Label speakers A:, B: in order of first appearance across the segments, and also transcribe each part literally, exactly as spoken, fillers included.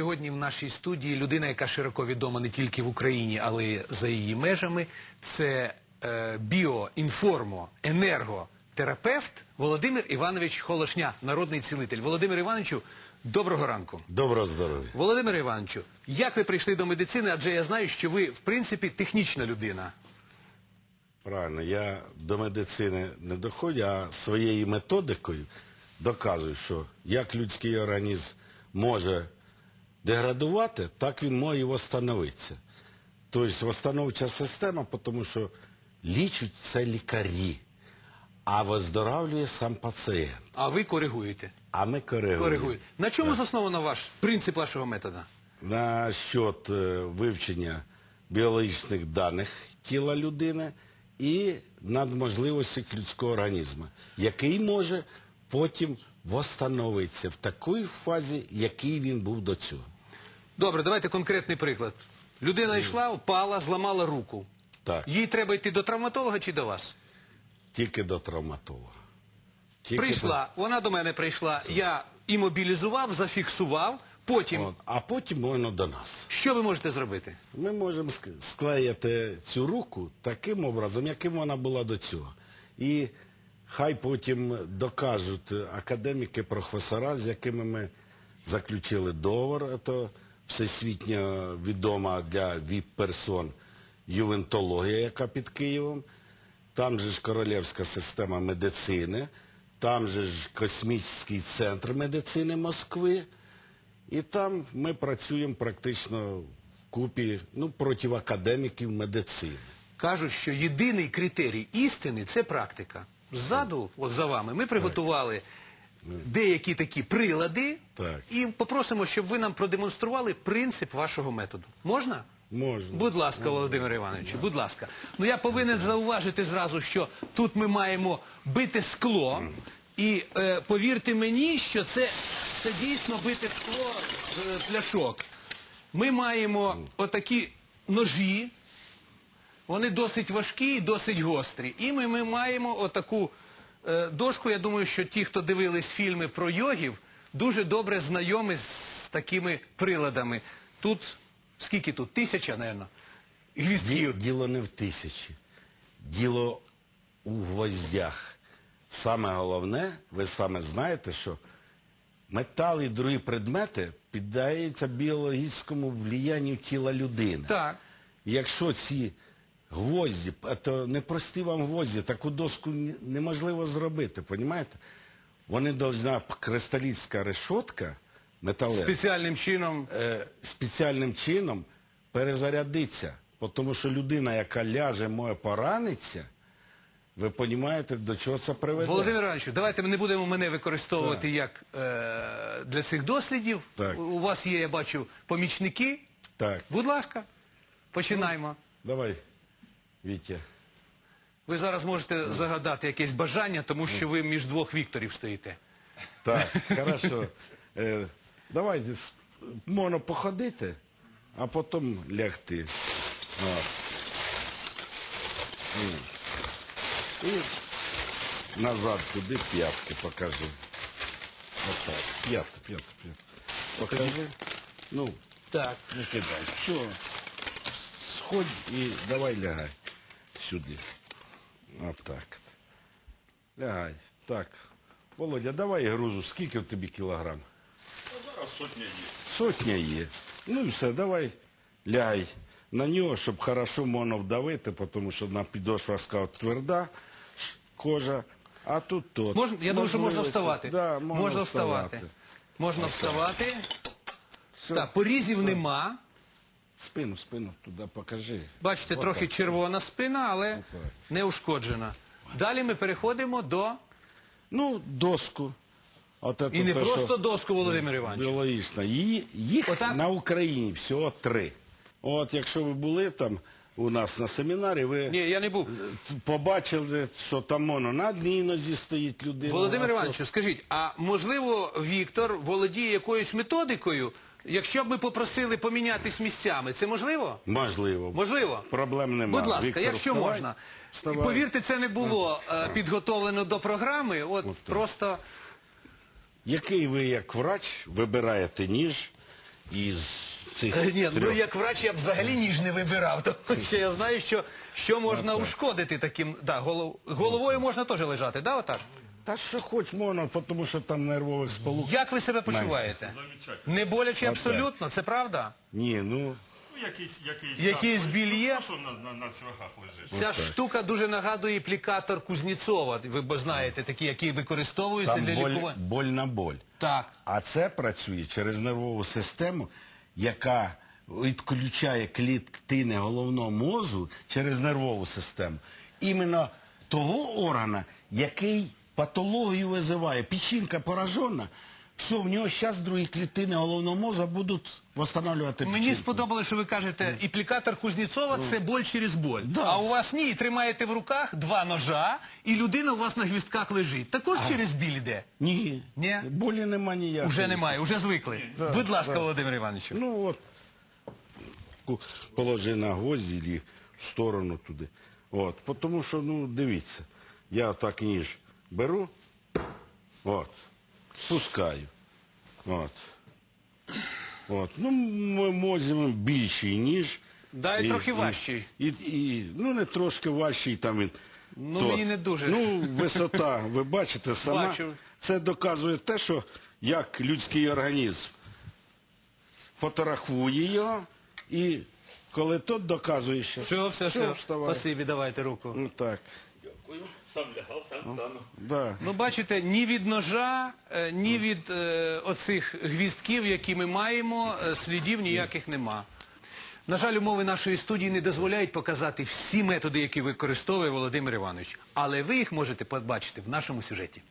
A: сьогодні в нашій студії людина, яка широко відома не тільки в Україні, але й за її межами. Це е, біоінформо-енерготерапевт Володимир Іванович Холошня, народний цілитель. Володимир Івановичу, доброго ранку.
B: Доброго здоров'я.
A: Володимир Івановичу, як ви прийшли до медицини? Адже я знаю, що ви, в принципі, технічна людина.
B: Правильно, я до медицини не доходжу, а своєю методикою доказую, що як людський організм може деградувати, так він може і восстановитися. Тобто восстановча система, тому що лічать це лікарі, а виздоравлює сам пацієнт.
A: А ви коригуєте?
B: А ми коригуємо.
A: Коригуєте. На чому засновано ваш принцип вашого методу?
B: На счет е, вивчення біологічних даних тіла людини і надможливостей людського організму, який може потім восстановитися в такій фазі, який він був до цього.
A: Добре, давайте конкретний приклад. Людина йшла, впала, зламала руку.
B: Так.
A: Їй треба йти до травматолога чи до вас?
B: Тільки до травматолога. Тільки
A: Прийшла, вона до мене прийшла, я імобілізував, зафіксував, потім...
B: до... От, а потім можна до нас.
A: Що ви можете зробити?
B: Ми можемо ск- склеїти цю руку таким образом, яким вона була до цього. І хай потім докажуть академіки, професора, з якими ми заключили договор, це всесвітньо відома для віп-персон ювентологія, яка під Києвом. Там же ж Королівська система медицини, там же ж Космічний центр медицини Москви. І там ми працюємо практично вкупі, ну, проти академіків медицини.
A: Кажуть, що єдиний критерій істини – це практика. Ззаду, от за вами, ми приготували деякі такі прилади
B: Так.
A: і попросимо, щоб ви нам продемонстрували принцип вашого методу. Можна?
B: Можна.
A: Будь ласка, Володимир Іванович, будь ласка. Ну, я повинен зауважити зразу, що тут ми маємо бити скло, і е, повірте мені, що це, це дійсно бити скло з пляшок. Ми маємо отакі ножі, вони досить важкі і досить гострі. І ми, ми маємо отаку е, дошку, я думаю, що ті, хто дивились фільми про йогів, дуже добре знайомі з такими приладами. Тут... Скільки тут? Тисяча, мабуть, гвіздків.
B: Діло не в тисячі. Діло у гвоздях. Саме головне, ви саме знаєте, що метал і другі предмети піддаються біологічному влиянню тіла людини.
A: Так.
B: Якщо ці гвозді, це не прості вам гвозді, таку доску неможливо зробити, розумієте? Вони повинна кристалічна решетка, металева,
A: Спеціальним чином.
B: е, спеціальним чином перезарядиться. Тому що людина, яка ляже, може поранитися, ви розумієте, до чого це приведе.
A: Володимир Іванович, давайте ми не будемо мене використовувати так. як е, для цих дослідів.
B: Так.
A: У вас є, я бачу, помічники.
B: Так.
A: Будь ласка, починаємо.
B: Давай, Вітя.
A: Ви зараз можете загадати якесь бажання, тому що ви між двох Вікторів стоїте.
B: Так, хорошо. Е, давай, можна походити, а потім лягти. От. І назад туди п'ятки покажи. Отак. П'ятки, п'ятки, п'ятки. Покажи. Ну,
A: Так.
B: не кидай. Все. Сходь і давай лягай сюди. Отак. Лягай. Так. Володя, давай грузу. Скільки в тобі кілограм?
C: Зараз сотня є.
B: Сотня є. Ну і все, давай лягай на нього, щоб хорошо можна вдавити, тому що на підошва сказав тверда ш- кожа, а тут тот.
A: Можна, я думаю, що можна
B: Можливості.
A: вставати.
B: Да, можна,
A: можна вставати.
B: вставати.
A: Можна вставати.
B: Все.
A: Так, порізів нема.
B: Спину, спину туди покажи.
A: Бачите,
B: Отак.
A: трохи червона спина, але
B: Отак.
A: не ушкоджена. Далі ми переходимо до...
B: Ну, доску. От
A: І не
B: те,
A: просто
B: що
A: доску, Володимир Іванович.
B: біологічна. Її, їх
A: Отак?
B: на Україні всього три. От якщо ви були там у нас на семінарі, ви
A: Ні, я не був.
B: побачили, що там воно на одній нозі стоїть людина.
A: Володимир
B: а то-
A: Іванович, скажіть, а можливо Віктор володіє якоюсь методикою, якщо б ми попросили помінятись місцями, це можливо?
B: Можливо.
A: Можливо?
B: Проблем немає.
A: Будь ласка,
B: Віктор,
A: якщо
B: вставай.
A: можна.
B: Вставай.
A: Повірте, це не було е, підготовлено до програми, от
B: так.
A: просто...
B: Який ви, як врач, вибираєте ніж із цих
A: Е, Ні, ну
B: трьох.
A: як врач я б взагалі ніж не вибирав, тому що я знаю, що, що можна ушкодити таким. Да, голов... Головою можна теж лежати, да, отак?
B: Та що хоч можна, тому що там нервових сполук.
A: Як ви себе почуваєте?
C: Замечательно.
A: Не боляче абсолютно, це правда?
B: Ні, ну,
C: Ну, якийсь, якийсь,
A: Якийсь
C: так,
A: біль є?
C: ну, що на, на, на цвяхах лежиш.
A: Ця штука дуже нагадує аплікатор Кузнєцова, ви б знаєте, такий, який використовується
B: там
A: для
B: боль,
A: лікування.
B: боль на боль.
A: Так.
B: А це працює через нервову систему, яка відключає клітини головного мозку через нервову систему. Іменно того органа, який патологію визиває. Печінка поражена, все, в нього зараз другі клітини головного мозку будуть відновлювати печінку.
A: Мені сподобалося, що ви кажете, аплікатор Кузнєцова – це боль через боль.
B: Да.
A: А у вас ні, і тримаєте в руках два ножа, і людина у вас на гвістках лежить. Також через біль йде?
B: Ні,
A: Ні?
B: болі нема ніякої.
A: Уже немає, уже звикли. Будь ласка, Володимир Іванович.
B: Ну от, ку- положи на гвозді і в сторону туди. От, тому що, ну, дивіться, я так ніж беру, от, пускаю, от. От, ну, ми можемо більший ніж.
A: Да, і трохи важчий.
B: І, і, ну, не трошки важчий, там він.
A: Ну,
B: то.
A: мені не дуже.
B: Ну, висота, ви бачите сама.
A: Бачу.
B: Це доказує те, що як людський організм фотографує його, і коли тот доказує, що
A: Все, все, все.
B: вставай.
A: Спасибі, давайте руку.
B: Ну так,
C: Дякую. Сам лягав, сам стану.
B: да.
A: Ну, бачите, ні від ножа, е, ні від е, оцих гвістків, які ми маємо, е, слідів ніяких нема. На жаль, умови нашої студії не дозволяють показати всі методи, які використовує Володимир Іванович. Але ви їх можете побачити в нашому сюжеті.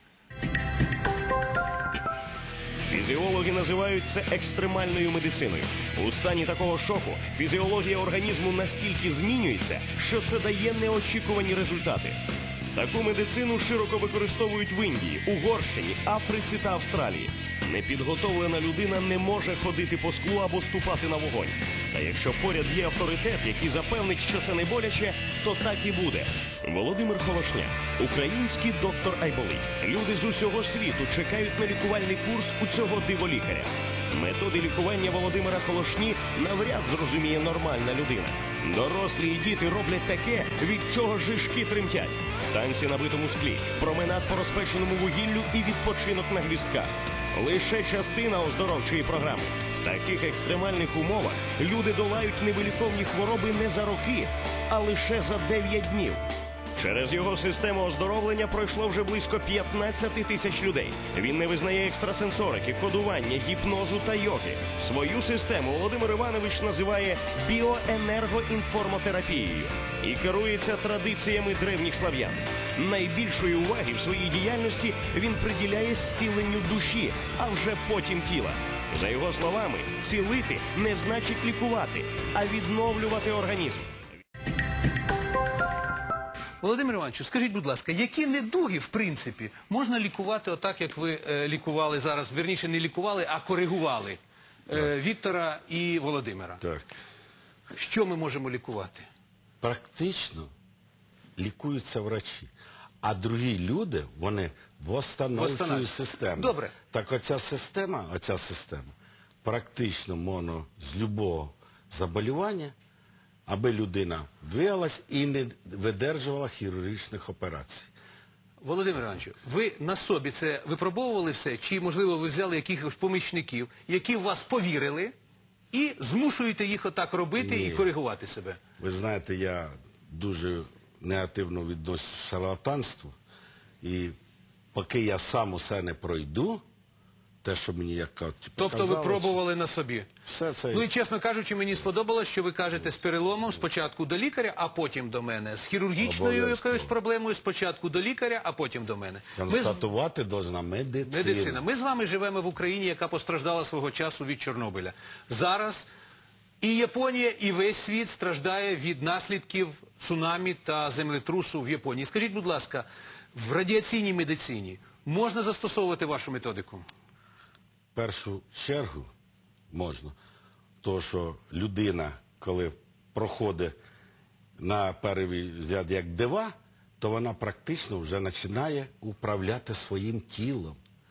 D: Фізіологи називають це екстремальною медициною. У стані такого шоку фізіологія організму настільки змінюється, що це дає неочікувані результати. Таку медицину широко використовують в Індії, Угорщині, Африці та Австралії. Непідготовлена людина не може ходити по склу або ступати на вогонь. Та якщо поряд є авторитет, який запевнить, що це не боляче, то так і буде. Володимир Холошня, український доктор Айболит. Люди з усього світу чекають на лікувальний курс у цього диволікаря. Методи лікування Володимира Холошні навряд зрозуміє нормальна людина. Дорослі і діти роблять таке, від чого жишки тремтять. Танці на битому склі, променад по розпеченому вугіллю і відпочинок на гвістках. Лише частина оздоровчої програми. В таких екстремальних умовах люди долають невиліковні хвороби не за роки, а лише за дев'ять днів. Через його систему оздоровлення пройшло вже близько п'ятнадцять тисяч людей. Він не визнає екстрасенсорики, кодування, гіпнозу та йоги. Свою систему Володимир Іванович називає біоенергоінформотерапією і керується традиціями древніх слав'ян. Найбільшої уваги в своїй діяльності він приділяє зціленню душі, а вже потім тіла. За його словами, цілити не значить лікувати, а відновлювати організм.
A: Володимир Івановичу, скажіть, будь ласка, які недуги, в принципі, можна лікувати отак, як ви е, лікували зараз, вірніше, не лікували, а коригували е, Віктора і Володимира?
B: Так.
A: Що ми можемо лікувати?
B: Практично лікуються врачі. А другі люди, вони восстановчують
A: Восстанавливають.
B: систему.
A: Добре.
B: Так оця система, оця система, практично можна з любого заболівання, аби людина двигалась і не видержувала хірургічних операцій.
A: Володимир Івановичу, ви на собі це випробовували все? Чи, можливо, ви взяли якихось помічників, які в вас повірили і змушуєте їх отак робити
B: Ні.
A: і коригувати себе?
B: Ви знаєте, я дуже негативно відношусь до шарлатанству. І поки я сам усе не пройду, те, що мені як кажуть,
A: Тобто ви
B: показалось,
A: пробували на собі?
B: все це...
A: Ну і, чесно кажучи, мені сподобалось, що ви кажете з переломом спочатку до лікаря, а потім до мене. З хірургічною
B: Обов'язково.
A: якоюсь проблемою спочатку до лікаря, а потім до мене. Ми з...
B: Констатувати должна медицина.
A: Медицина. Ми з вами живемо в Україні, яка постраждала свого часу від Чорнобиля. Зараз і Японія, і весь світ страждає від наслідків цунамі та землетрусу в Японії. Скажіть, будь ласка, в радіаційній медицині можна застосовувати вашу методику?
B: В першу чергу можна. То, що людина, коли проходить на перший взгляд як дива, то вона практично вже починає управляти своїм тілом.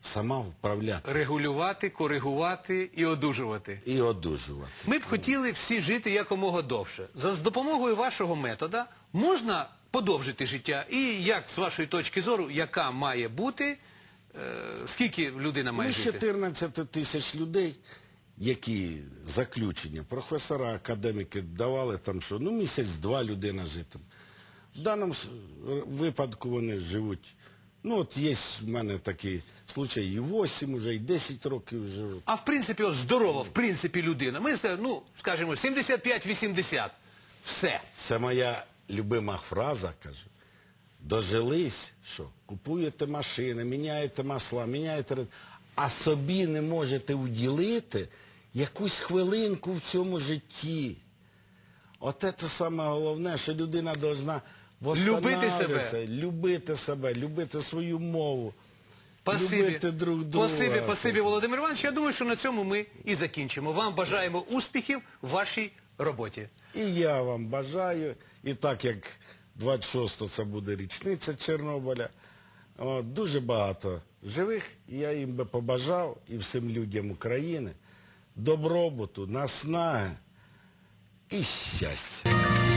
B: сама вправляти
A: Регулювати, коригувати і одужувати.
B: і одужувати.
A: Ми б хотіли всі жити якомога довше. За з допомогою вашого метода можна подовжити життя? І як, з вашої точки зору, яка має бути, е, скільки людина має
B: Ну, з
A: жити?
B: чотирнадцять тисяч людей, які заключення, професора, академіки давали там, що ну місяць-два людина житиме. В даному с- випадку вони живуть, ну от є в мене такий случай, і вісім уже, і десять років живуть.
A: А в принципі, от здорова, в принципі, людина. Ми, ну, скажімо, сімдесят п'ять вісімдесят. Все.
B: Це моя любима фраза, кажу. Дожились, що купуєте машини, міняєте масла, міняєте, ред- а собі не можете уділити якусь хвилинку в цьому житті. От це саме головне, що людина повинна
A: Любити
B: себе, любити себе, любити свою мову,
A: Спасибі.
B: любити друг друга.
A: Спасибі, спасибі, Володимир Іванович. Я думаю, що на цьому ми і закінчимо. Вам бажаємо успіхів в вашій роботі.
B: І я вам бажаю, і так як двадцять шостого це буде річниця Чорнобиля, от, дуже багато живих, і я їм би побажав, і всім людям України, добробуту, наснаги і щастя.